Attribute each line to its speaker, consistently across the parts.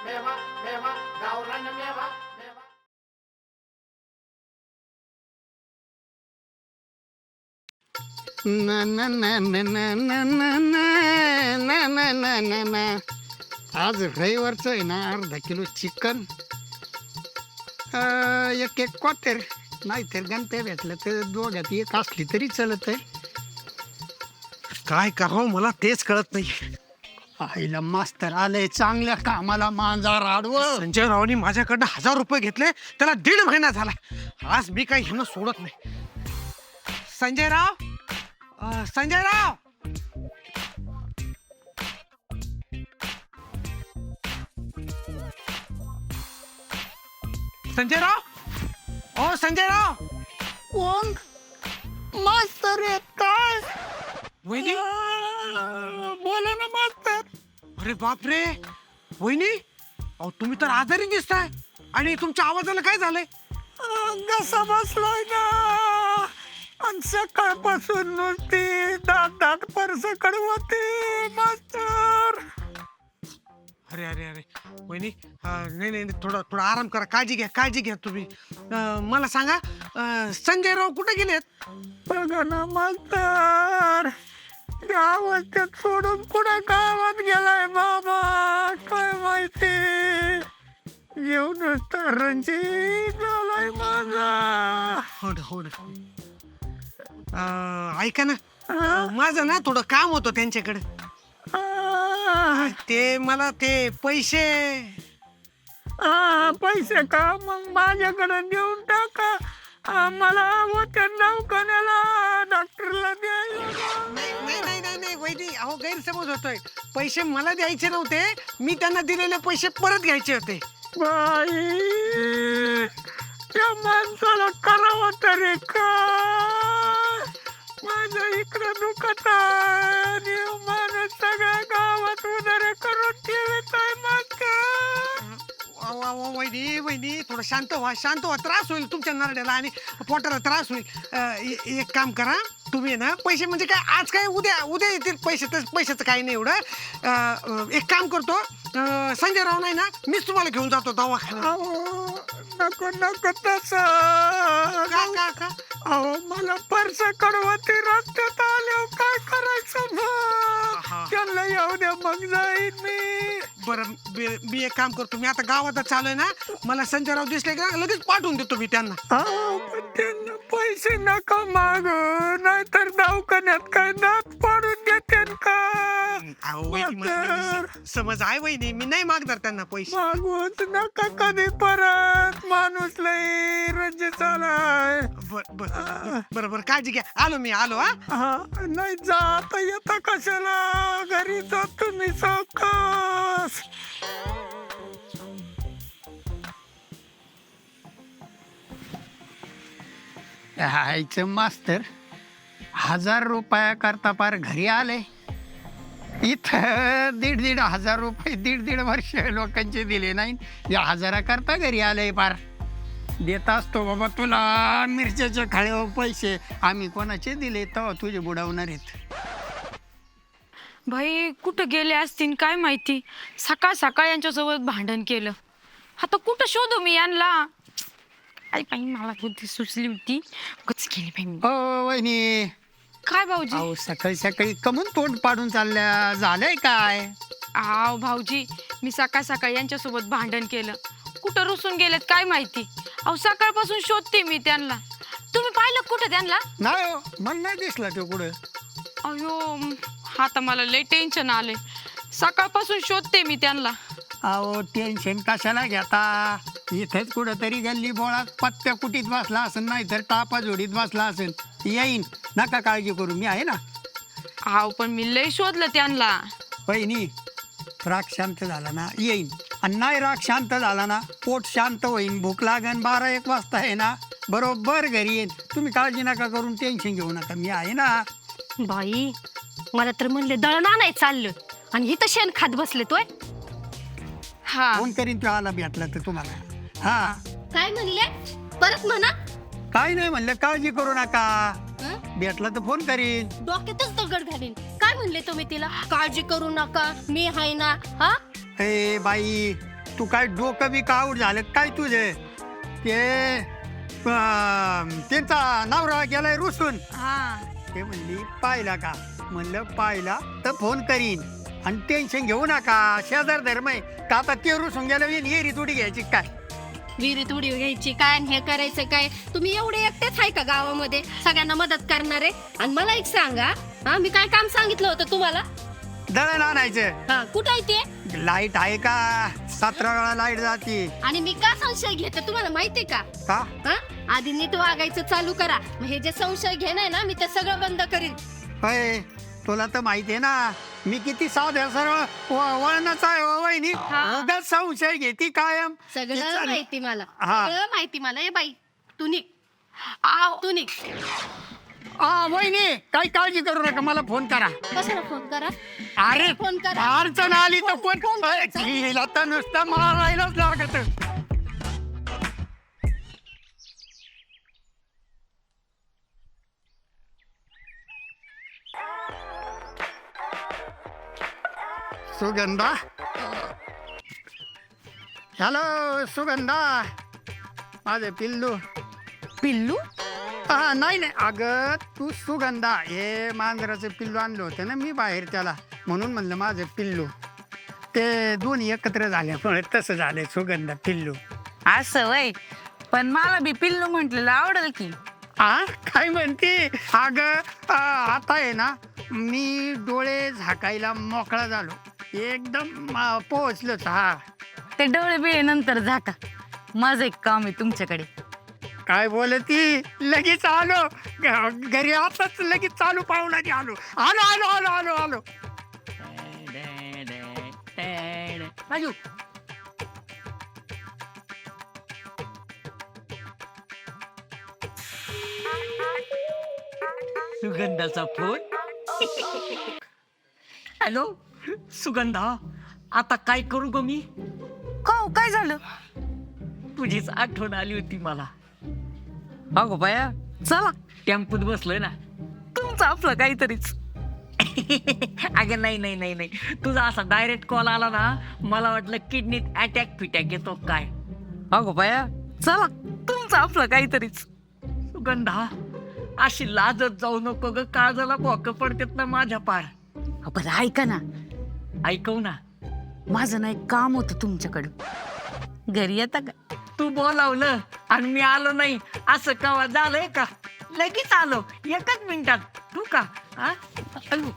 Speaker 1: मेवा मेवा गावरान मेवा मेवा.
Speaker 2: ना ना ना ना ना ना ना ना ना ना ना ना. आज रविवारचं आहे ना, अर्धा किलो चिकन, एक एक क्वार्टर, नाहीतर गणप्या भेटलं तर दोघात एक असली तरी चलत आहे.
Speaker 3: काय करावं मला तेच कळत नाही.
Speaker 2: आईला मास्तर आलंय चांगल्या कामाला, मांजार आडवं.
Speaker 3: संजय रावनी माझ्याकडनं 1000 रुपये घेतले, त्याला 1.5 महिना झाला. आज मी काही ह्यांना सोडत नाही. संजय राव, संजय राव, संजय राव, ओ संजय राव.
Speaker 2: कोण? मास्तर आहेत काय?
Speaker 3: वहिनी,
Speaker 2: बोला ना मास्तर.
Speaker 3: अरे बापरे, वहिनी, अहो तुम्ही तर आजारी दिसताय आणि तुमच्या आवाजाला काय झालंय?
Speaker 2: घसा बसलाय ना, आणि सकाळपासून नुसती दात परस कडवते मास्तर.
Speaker 3: अरे अरे अरे वहिनी, नाही नाही थोडा थोडा आराम करा, काळजी घ्या तुम्ही. मला सांगा, संजय राव कुठे गेलेत?
Speaker 2: बघा ना मास्तर, या अवस्थेत सोडून कुठे गावात गेलाय बाबा, काय माहिती. येऊनच तर रणजित झालाय माझा.
Speaker 3: हो ना हो ना. ऐका ना, माझं ना थोडं काम होतं त्यांच्याकडे. ते मला ते पैसे.
Speaker 2: पैसे का? मग माझ्याकडे देऊन टाका. मला होत्या दवाखान्याला, डॉक्टरला द्यायला.
Speaker 3: नाही नाही नाही नाही नाही वहिनी, अहो गैरसमज होतोय. पैसे मला द्यायचे नव्हते, मी त्यांना दिलेले पैसे परत घ्यायचे होते.
Speaker 2: बाई, त्या माणसाला करावं तरी काय? माझं इकडं दुखत आहे, माणूस सगळ्या गावात उदारे करून ठेवत आहे
Speaker 3: वहिनी थोडं शांत व्हा. त्रास होईल तुमच्या नरड्याला आणि पोटाला त्रास होईल. एक काम करा तुम्ही ना, पैसे म्हणजे काय आज काय उद्या येतील पैसे, तर पैशाचं काही नाही एवढं. एक काम करतो, संजय राव नाही ना, मीच तुम्हाला घेऊन जातो दवाखान्यात.
Speaker 2: नको नको तसं.
Speaker 3: का
Speaker 2: अहो मला पर्स कडवते, रस्त्यात आले काय करायचं मग? त्यांना येऊ द्या, मग जाईन मी.
Speaker 3: बरं, मी एक काम करतो, मी आता गावात चालू आहे ना, मला संजय राव दिसले का लगेच पाठवून देतो मी त्यांना.
Speaker 2: पण त्यांना पैसे नका माग, नाहीतर दवाखान्यात काय दात पाडून देते का?
Speaker 3: समज आहे वहिनी, मी नाही मागणार त्यांना पैसे.
Speaker 2: मागूच नका कधी परत, माणूस लई रंजित आलाय.
Speaker 3: बरं काळजी घ्या, आलो मी.
Speaker 2: हा, नाही जाता येता कशाला, घरी जातो मी सावकाश. हायचं मास्तर 1000 रुपया करता पार घरी आले. इथं 1,500 रुपये 1.5 वर्ष लोकांचे दिले नाही, या 1000 करता घरी आले. पार देत असतो बाबा तुला मिरच्याच्या खाळ्यावर पैसे, आम्ही कोणाचे दिले तेव्हा तुझे बुडवणार आहेत.
Speaker 4: भाई कुठं गेले असतील काय माहिती, सकाळ सकाळ यांच्यासोबत भांडण केलं. आता कुठं शोधू मी यांना? आई बाई, मला बुद्धी सुचली होती, गच केली बाई मी.
Speaker 2: हो वहिनी.
Speaker 4: काय भाऊजी?
Speaker 2: अहो सकाळी सकाळी कमून तोंड पाडून चालल्या, झालंय काय?
Speaker 4: आव भाऊजी, मी सकाळ सकाळ यांच्यासोबत भांडण केलं, कुठं रुसून गेलेत काय माहिती. अहो सकाळपासून शोधते मी त्यांना. तुम्ही पाहिलं कुठं त्यांना?
Speaker 2: नाही हो, मला नाही दिसला तो कुठं.
Speaker 4: अयो, आता मला लय टेन्शन आले, सकाळपासून शोधते मी त्यांना.
Speaker 2: अहो टेन्शन कशाला घेता, इथेच कुठंतरी गल्ली बोळात पत्त्या कुटीत बसला असेल, नाही तर टापा जोडीत बसला असेल. येईन, नका काळजी करू, मी आहे ना.
Speaker 4: आव पण मी लय शोधलं त्यांना.
Speaker 2: बहिणी, राग शांत झाला ना येईन, आणि नाही राग शांत झाला ना पोट शांत होईन, भूक लागन 12-1 वाजता आहे ना, बरोबर घरी येईन. तुम्ही काळजी नका करून, टेन्शन घेऊ नका, मी आहे ना.
Speaker 5: बाई, मला तर म्हणले दळण आणाय चाललं आणि इथं शेण खात बसले तोय.
Speaker 4: हा,
Speaker 2: फोन करीन तो आला भेटला तर तुम्हाला. हा,
Speaker 5: काय म्हणले? परत म्हणा.
Speaker 2: काय नाही म्हणलं, काळजी करू नका, भेटला तर फोन करीन.
Speaker 5: डोक्यातच दगड घालीन. काय म्हणले तुम्ही तिला? काळजी करू नका, मी आहे ना. हा,
Speaker 2: ए बाई, तू काय डोकं बी काऊट झालं काय तुझे ते त्यांचा नवरा गेलाय रुसून
Speaker 4: हा
Speaker 2: ते म्हणली पाहिला का म्हणलं पाहिला तर फोन करीन आणि टेन्शन घेऊ नका शेजार धर्म आहे तर आता ते रुसून गेलं येरी तुडी घ्यायची काय
Speaker 5: विहिरीत उडी घ्यायची काय आणि हे करायचं काय तुम्ही एवढे एकटेच आहे का गावामध्ये सगळ्यांना मदत करणारे आणि मला एक सांगा हा मी काय काम सांगितलं होतं तुम्हाला
Speaker 2: दळण आणायचं
Speaker 5: हा कुठं आहे ते
Speaker 2: लाईट आहे का 17 वेळा लाईट जाते
Speaker 5: आणि मी का संशय घेते तुम्हाला माहितीये का
Speaker 2: का
Speaker 5: हा आधी नीट वागायचं चालू करा मग हे जे संशय घेणं ना मी ते सगळं बंद करीन
Speaker 2: होय तुला तर माहिती आहे ना मी किती साध्या सरळ वळणाचा आहे हो वहिनी उगाच संशय घेती कायम
Speaker 5: सगळं माहिती मला
Speaker 2: हा.
Speaker 5: सगळं माहिती मला ए बाई तू निघ तू निघ
Speaker 2: वहिनी काही काळजी करू नका मला फोन करा
Speaker 5: कशाला फोन करा
Speaker 2: अरे
Speaker 5: फोन करा.
Speaker 2: अडचण आली तर फोन हिला तर नुसतं मारायलाच लागत सुगंधा हॅलो सुगंधा माझे पिल्लू
Speaker 4: पिल्लू
Speaker 2: हा नाही नाही अगं तू सुगंधा हे मांजराचं पिल्लू आणलं होतं ना मी बाहेर त्याला म्हणून म्हणलं माझं पिल्लू ते दोन्ही एकत्र झाल्यामुळे तसं झालंय सुगंधा पिल्लू
Speaker 6: असं वय पण मला बी पिल्लू म्हटलेलं आवडेल की
Speaker 2: हा काय म्हणते अगं आता आहे ना मी डोळे झाकायला मोकळा झालो एकदम पोहोचलोच हा
Speaker 6: ते डोळे बिळे नंतर झाका माझं एक काम आहे तुमच्याकडे
Speaker 2: काय बोलती लगेच आलो घरी आताच लगेच चालू पाहुणारी आलो आलो आलो आलो आलो आलो
Speaker 6: राजू
Speaker 7: सुगंधाचा फोन हॅलो सुगंधा आता काय करू ग मी
Speaker 6: काय झालं
Speaker 7: तुझीच आठवण आली होती मला
Speaker 6: अगो बाया चला
Speaker 7: टेम्पोत बसलोय ना
Speaker 6: तुमचं आपलं काहीतरीच
Speaker 7: अगं नाही नाही नाही नाही तुझा असा डायरेक्ट कॉल आला ना मला वाटलं किडनीत अटॅक फिटॅक येतो काय
Speaker 6: अगो बाया चला तुमचं आपलं काहीतरीच
Speaker 7: सुगंधा अशी लाजत जाऊ नको ग काळजाला भोकं पडतेत ना माझ्या पार
Speaker 6: बरं ऐका ना
Speaker 7: ऐकव ना
Speaker 6: माझं ना एक काम होतं तुमच्याकडं घरी येता का
Speaker 7: तू बोलावलं आणि मी आलो नाही असं कवा झालंय का लगेच आलो एकच मिनिटात तू का हा? अयो.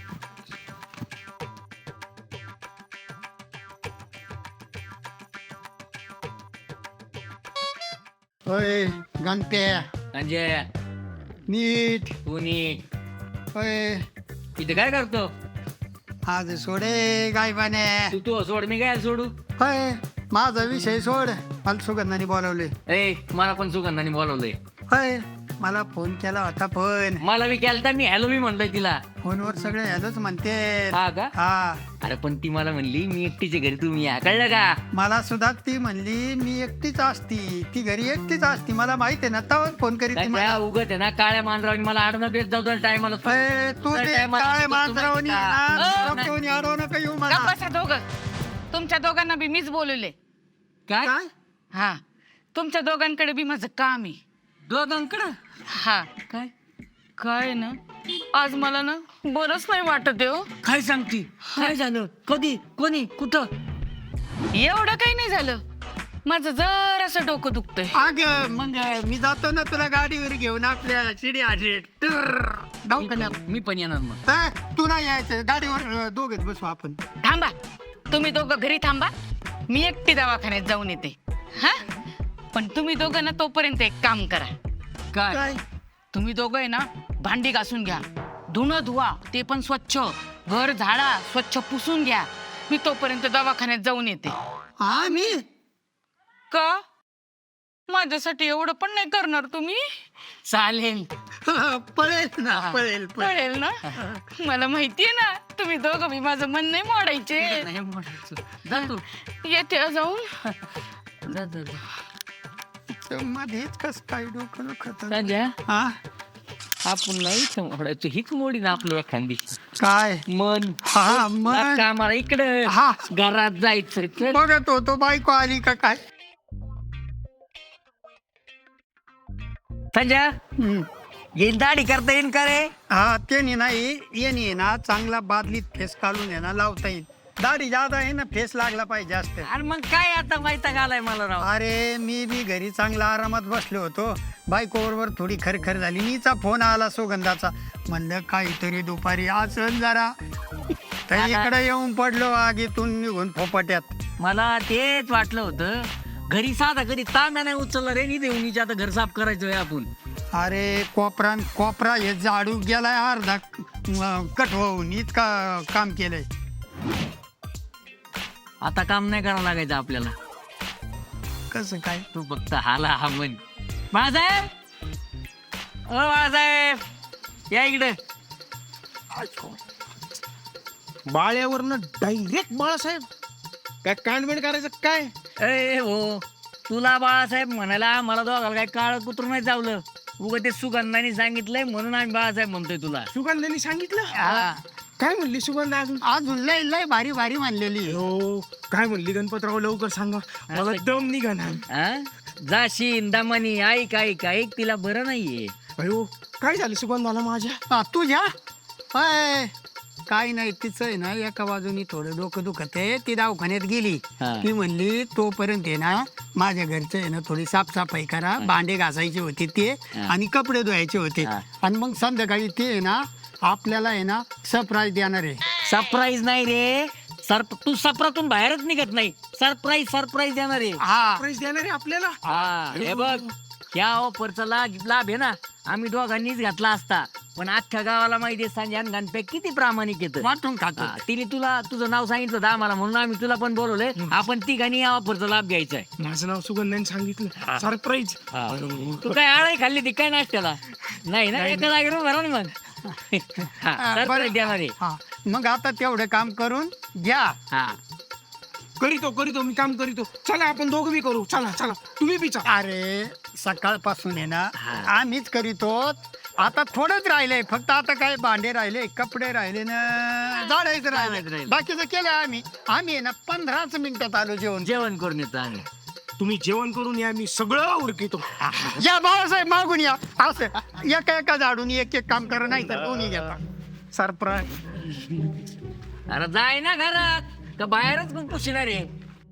Speaker 2: होय गणप्या
Speaker 7: म्हणजे
Speaker 2: नीट
Speaker 7: तू नीट
Speaker 2: होय
Speaker 7: इथे काय करतो
Speaker 2: आज सोडे गायबाने
Speaker 7: तू सोड मी काय सोडू
Speaker 2: होय माझा विषय सोड मला सुगंधाने बोलावले
Speaker 7: ए मला पण सुगंधाने बोलवलंय
Speaker 2: होय मला फोन केला होता पण
Speaker 7: मला बी केलता मी हॅलो मी म्हणलोय तिला
Speaker 2: फोनवर सगळे हॅलोच म्हणते
Speaker 7: हा का
Speaker 2: हा
Speaker 7: अरे पण ती मला म्हणली मी एकटीच्या घरी तुम्ही या कळलं का
Speaker 2: मला सुद्धा ती म्हणली मी एकटीच असती ती घरी एकटीच असती मला माहित आहे ना तर फोन करीत ती मला.
Speaker 7: उगत आहे ना काळ्या मांजरावनी मला आडणं बेस जाऊ टायमाला
Speaker 2: होय, तू ते काय मांजरावनी
Speaker 6: नाही.
Speaker 2: आडवू नका येऊ मला
Speaker 6: बसा दोघं तुमच्या दोघांना बी मीच बोलवले
Speaker 7: काय
Speaker 2: काय
Speaker 6: हा तुमच्या दोघांकडे बी माझं काम आहे
Speaker 7: दोघांकडं
Speaker 6: हा
Speaker 7: काय
Speaker 6: काय ना आज मला ना बरंच नाही वाटत आहे हो
Speaker 7: काय सांगती काय झालं कधी कोणी कुठं
Speaker 6: एवढं काही नाही झालं माझं जरासं डोकं दुखतंय
Speaker 2: अग मग मी जातो ना तुला गाडीवर घेऊन आपल्या शिडी आजी दवाखान्यात
Speaker 7: मी पण येणार मग
Speaker 2: तू नाही यायचं गाडीवर दोघेच बसू आपण
Speaker 6: थांबा तुम्ही दोघं घरी थांबा मी एकटी दवाखान्यात जाऊन येते हा पण तुम्ही दोघं ना तोपर्यंत एक काम करा
Speaker 7: काय
Speaker 6: तुम्ही दोघं आहे ना भांडी घासून घ्या धुणं धुवा ते पण स्वच्छ घर झाडा स्वच्छ पुसून घ्या मी तोपर्यंत दवाखान्यात जाऊन येते
Speaker 2: हा मी
Speaker 6: का माझ्यासाठी एवढं पण नाही करणार तुम्ही
Speaker 7: चालेल
Speaker 2: पळेल ना पळेल
Speaker 6: कळेल ना मला माहितीये ना तुम्ही दोघं मी माझं मन नाही मोडायचे
Speaker 7: नाही म्हणायचं. जा तू
Speaker 6: येते जाऊन
Speaker 7: जा, जा, जा.
Speaker 2: मध्येच कस काय डोकं दुखत
Speaker 7: राजा
Speaker 2: हा
Speaker 7: आपण नाही मोडायचं हीच मोडी ना आपलं एखादी
Speaker 2: काय
Speaker 7: मन
Speaker 2: हा मग
Speaker 7: कामाला इकडे
Speaker 2: हा
Speaker 7: घरात जायचं चल.
Speaker 2: बघत होतो बायको आली का काय
Speaker 7: संजय
Speaker 2: हम्म.
Speaker 7: येईन दाढी करता येईन का रे?
Speaker 2: हा त्याने नाही येणे ना चांगला बादलीत फेस काढून आहे ना लावता येईल दाढी जादा आहे ना फेस लागला पाहिजे जास्त
Speaker 7: अरे मग काय आता माहिती घालाय मला राव.
Speaker 2: अरे मी बी घरी चांगला आरामात बसलो होतो बायको बरोबर थोडी खरखर झाली मीचा फोन आला सुगंधाचा म्हणलं काहीतरी दुपारी असं जरा तर इकडे येऊन पडलो आगीतून निघून फोपाट्यात
Speaker 7: मला तेच वाटलं होतं घरी साधा घरी तांब्या नाही उचलला रे देऊनीच्या आता घर साफ करायचं आहे आपण.
Speaker 2: अरे कोपरा हे झाडू गेलाय अर्धा कट होऊन इतका काम केलंय
Speaker 7: आता काम नाही करावं लागायचं आपल्याला.
Speaker 2: कसं काय
Speaker 7: तू फक्त हाला हा म्हण. बाळासाहेब ओ बाळासाहेब या इकडे.
Speaker 8: बाळ्यावरनं डायरेक्ट बाळासाहेब काय कांडमेंड करायचं काय?
Speaker 7: ए हो तुला बाळासाहेब म्हणायला मला दोघाला काय काळ कुत्र नाही चावलं उगा ते सुगंधाने सांगितलंय म्हणून आम्ही बाळासाहेब म्हणतोय तुला.
Speaker 8: सुगंधाने सांगितलं
Speaker 7: हा.
Speaker 8: काय म्हणली सुगंधा अजून?
Speaker 2: अजून लय लय भारी भारी मानलेली
Speaker 8: हो काय म्हणली गणपतराव लवकर सांगा मला दम निघाला.
Speaker 7: हा? जाशीन दमानी ऐक ऐक ऐक तिला बरं नाहीये.
Speaker 8: अयो काय झालं सुगंधाला माझ्या?
Speaker 2: तुझ्या अय, काय नाही तिचं आहे ना एका बाजूनी थोडं डोकं दुखत आहे ती दवाखान्यात गेली
Speaker 7: हा.
Speaker 2: ती म्हणली तोपर्यंत आहे ना माझ्या घरचं आहे ना थोडी साफसफाई करा भांडे घासायचे होते ते आणि कपडे धुवायचे होते
Speaker 7: हा.
Speaker 2: आणि मग संध्याकाळी ते आहे ना आपल्याला आहे ना सरप्राईज देणार आहे.
Speaker 7: सरप्राईज नाही रे तू सपरातून बाहेरच निघत नाही. सरप्राईज देणार आहे.
Speaker 2: हा
Speaker 8: प्राईज देणार आहे आपल्याला?
Speaker 7: हा हे बघ या ऑफरचा लाभ आहे ना आम्ही दोघांनीच घातला असता पण अख्ख्या गावाला माहिती आहे संजय आणि गणपती किती प्रामाणिक येतं.
Speaker 2: वाटून खातो
Speaker 7: तिने तुला तुझं नाव सांगितलं होतं आम्हाला म्हणून आम्ही तुला पण बोलवलंय. आपण तिघांनी या ऑफरचा लाभ घ्यायचा आहे.
Speaker 8: माझं नाव सुगंधाने सांगितलं सरप्राईज.
Speaker 7: तू काय आळाई खाल्ली ती काय नाश्त्याला नाही ना एका जागेवर भरा ना मग. सरप्राईज देणार आहे.
Speaker 2: हा मग आता तेवढं काम करून घ्या.
Speaker 7: हा
Speaker 8: करीतो मी काम करीतो. चला आपण दोघं बी करू. चला तुम्ही बी चला.
Speaker 2: अरे सकाळपासून आहे ना
Speaker 7: हा.
Speaker 2: आम्हीच करीतो आता थोडंच राहिलंय फक्त आता काय भांडे राहिले कपडे राहिले ना झाडायचं राहिले बाकीचं केलं आम्ही आहे ना 15 मिनिटात आलो
Speaker 7: जेवण करून येतो आम्ही.
Speaker 8: तुम्ही जेवण करून या मी सगळं उरकितो.
Speaker 2: या बाळासाहेब मागून या असं एका झाडून एक काम करा नाही तर दोन्ही घेता सरप्राईज.
Speaker 7: अरे जाय ना घरात का बाहेरच पण पुसणार आहे.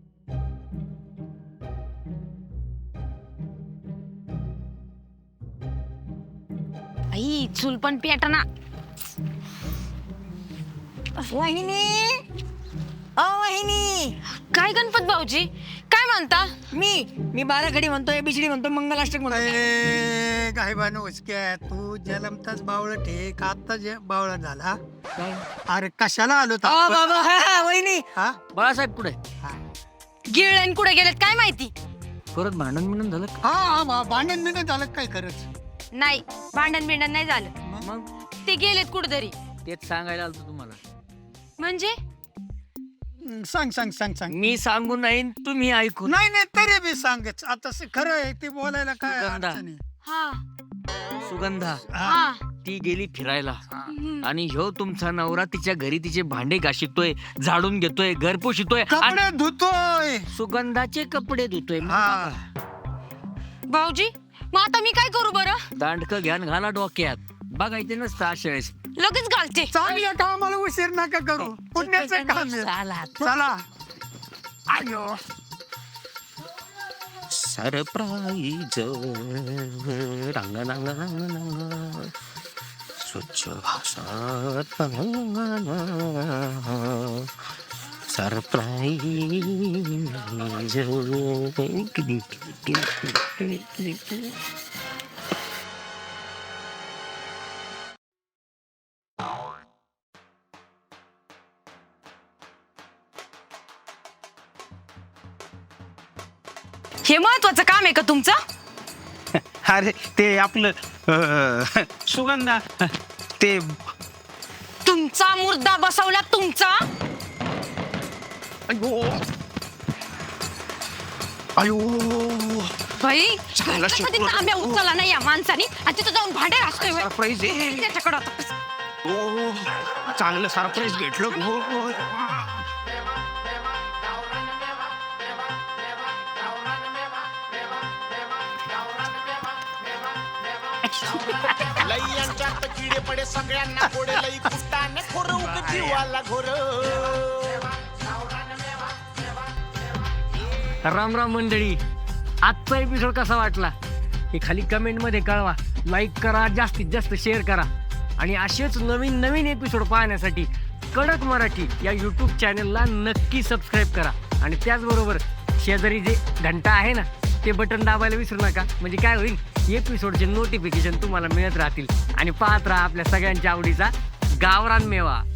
Speaker 4: आई चूल पण पेटना.
Speaker 6: वाहिनी ओ वाहिनी
Speaker 4: काय गणपत भाऊजी काय म्हणता?
Speaker 6: मी बाराखडी म्हणतोय बिजली म्हणतो मंगलाष्टक म्हणतोय.
Speaker 2: काय बनवूस क्या तू जलमताच बावळट आहे का आता जे बावळट झाला अरे कशाला आलो
Speaker 6: बाबा हा वहिनी
Speaker 2: हा
Speaker 7: बाळासाहेब पुढे
Speaker 4: गिळण कुठे गेलेत काय माहिती.
Speaker 7: परत भांडण मिळून झालं का?
Speaker 2: हा भांडण बिंडण झालं काय खरंच
Speaker 4: नाही भांडण बिंडण नाही झालं.
Speaker 7: मग
Speaker 4: ते गेलेत कुठेतरी.
Speaker 7: तेच सांगायला आलतो तुम्हाला.
Speaker 4: म्हणजे
Speaker 2: सांग
Speaker 7: मी सांगू नाही तुम्ही ऐकू.
Speaker 2: नाही नाही तरी बी सांगच आता खरं आहे ते बोलायला काय
Speaker 7: सुगंधा.
Speaker 2: अडचण आहे.
Speaker 4: हा
Speaker 7: सुगंधा
Speaker 4: हा
Speaker 7: ती गेली फिरायला आणि ह्यो तुमचा नवरा तिच्या घरी तिचे भांडे घाशितोय झाडून घेतोय घर पुशितोय
Speaker 2: कपडे धुतोय
Speaker 7: सुगंधाचे कपडे धुतोय.
Speaker 2: हा
Speaker 4: भाऊजी मग आता मी काय करू बरं?
Speaker 7: दांडक घ्यान घाला डोक्यात बघायचे नसतं अशा वेळेस.
Speaker 4: लगेच घालते.
Speaker 2: चांगल्या कामाला उशीर नका करू पुण्याचं काम आहे. चला आयो
Speaker 9: सरप्राईज रंग रंग रंग रंग स्वच्छ भाषात सरप्राईज.
Speaker 4: हे महत्वाचं काम आहे का तुमचं?
Speaker 8: अरे ते आपलं सुगंधा ते
Speaker 4: तुमचा मुर्दा बसवला तुमचा.
Speaker 8: अयो
Speaker 4: भाई
Speaker 8: झाला
Speaker 4: कधी
Speaker 8: शेपूट.
Speaker 4: तांब्या उचलला नाही या माणसाने आणि तिथं जाऊन भांडे घासतोय.
Speaker 8: सरप्राईज आहे.
Speaker 4: त्याच्याकडं आता.
Speaker 8: ओ
Speaker 2: चांगलं सरप्राईज भेटलं हो, हो.
Speaker 1: लई यांच्यात किडे पडे सगळ्यांना कोडे लई कुटाने खोर उग जीवाला घोर
Speaker 7: राम राम मंडळी, आजचा एपिसोड कसा वाटला हे खाली कमेंटमध्ये कळवा. लाईक करा, जास्तीत जास्त शेअर करा आणि असेच नवीन नवीन एपिसोड पाहण्यासाठी कडक मराठी या यूट्यूब चॅनलला नक्की सबस्क्राईब करा. आणि त्याचबरोबर शेजारी जे घंटा आहे ना ते बटन दाबायला विसरू नका. म्हणजे काय होईल, एपिसोडचे नोटिफिकेशन तुम्हाला मिळत राहतील. आणि पाहत राहा आपल्या सगळ्यांच्या आवडीचा गावरान मेवा.